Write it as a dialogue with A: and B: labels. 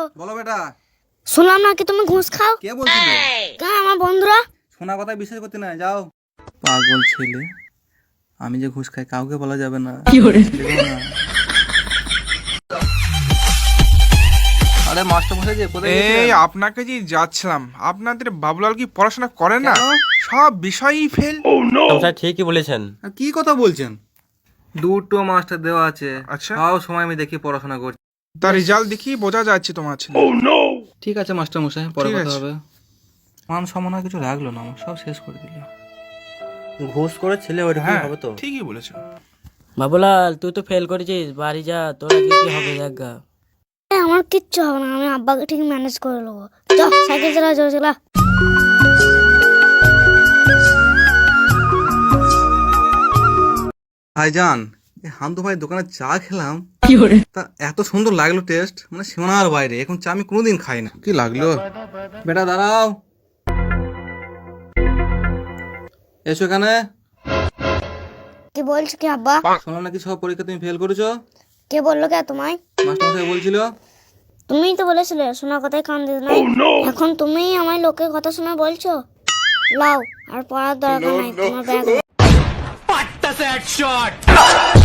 A: বলো বেটা।
B: শুনলাম নাকি তুমি ঘুষ খাও।
A: কে বলছিল?
B: কেন আমার বন্ধুরা?
A: শোনা কথা বিশ্বাস করতে না, যাও। পাগল ছেলে, আমি যে ঘুষ খাই কাউকে বলা যাবে না। দেখো না। আরে মাস্টার মশাই যে কোথায়
C: এই
A: গেছিলেন?
C: আপনাকে যে যাচ্ছিলাম, আপনাদের বাবুলাল কি পড়াশোনা করে না?
A: কেন?
C: সব বিষয়ই ফেল।
D: মশাই ঠিকই বলেছেন।
A: আর কি কথা বলছেন? দুটো মাস্টার দেওয়া আছে,
C: আচ্ছা।
A: সব সময় আমি দেখি পড়াশোনা করছি।
C: তার রেজাল্ট দেখি বোঝা যাচ্ছে তোমার ছেলে।
A: ঠিক আছে মাস্টার মশাই, পরে
C: ঠিক
A: কথা
C: আছে।
A: হবে। মান সম্মান আর কিছু রাখলো না, আমার সব শেষ করে দিল।
D: ঘুষ করে ছেলে ওইরকম
C: হ্যাঁ
D: হবে তো।
C: ঠিকই বলেছো।
E: বাবুলাল তুই তো ফেল করেছিস, বাড়ি যা, তোরা কি কি হবে দেখা।
B: আমার কিচ্ছু হবে না, আমি আব্বাকে ঠিক ম্যানেজ করে নেবো। চল সাইকেল চালা, জোরে চালা।
A: ভাইজান, এই হামদু ভাই দোকানে চা খেলাম, তা এত সুন্দর লাগলো টেস্ট, মানে সীমানার বাইরে। এখন চা আমি কোনোদিন খাই না।
C: কি লাগলো?
A: বেটা দাঁড়াও, এসো এখানে।
B: কি বলছো কি আব্বা?
A: শোনো নাকি সব পরীক্ষা তুমি ফেল করেছো?
B: কে বললো কে তোমায়?
A: মাস্টার মশাই বলছিল।
B: তুমিই তো বলেছিলে শোনা কথায় কান দিতে নাই। এখন তুমিই আমায় লোকের কথা শোনা বলছো। লাও, আর পড়ার দরকার নাই, তোমার ব্যাগ